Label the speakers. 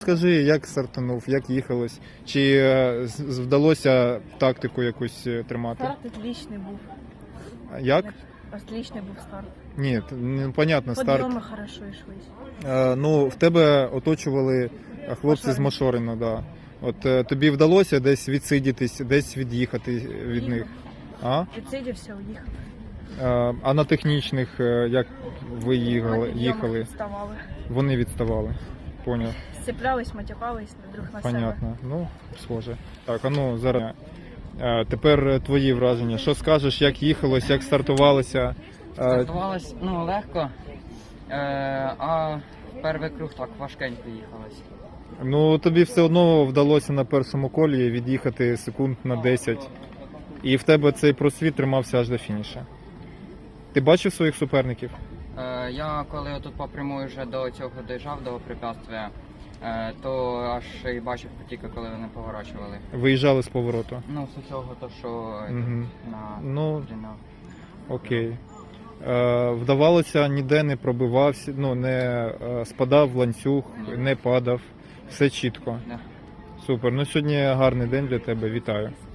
Speaker 1: Скажи, як стартанув, як їхалось? Чи вдалося тактику якусь тримати?
Speaker 2: Старт отличний був.
Speaker 1: Як?
Speaker 2: Отличний був старт.
Speaker 1: Ні, понятно, старт.
Speaker 2: Підйоми хорошо йшлись.
Speaker 1: Ну, в тебе оточували хлопці з
Speaker 2: Машорина.
Speaker 1: Машорина, да. От тобі вдалося десь відсидітись, десь від'їхати від них? А?
Speaker 2: Відсидівся, уїхав.
Speaker 1: А на технічних як ви їхали?
Speaker 2: Відставали.
Speaker 1: Вони відставали. Поняв.
Speaker 2: Сцеплялись, матюкались друг на себе.
Speaker 1: Понятно. Ну, схоже. Так, а ну зараз. Тепер твої враження. Що скажеш, як їхалось, як стартувалося?
Speaker 3: Стартувалось легко, а перший круг так важкенько їхалось.
Speaker 1: Ну, тобі все одно вдалося на першому колі від'їхати секунд на 10. І в тебе цей просвіт тримався аж до фініша. Ти бачив своїх суперників?
Speaker 3: Я коли отут по прямой вже до цього доїжджав, до препятствия, то аж і бачив тільки коли вони поворачували.
Speaker 1: Виїжджали з повороту.
Speaker 3: Ну, з усього то, що
Speaker 1: Мгм.
Speaker 3: на
Speaker 1: Ну,
Speaker 3: дріна.
Speaker 1: окей. Вдавалося, ніде не пробивався, ну, не спадав в ланцюг, не падав. Все чітко.
Speaker 3: Да.
Speaker 1: Супер. Ну, сьогодні гарний день для тебе. Вітаю.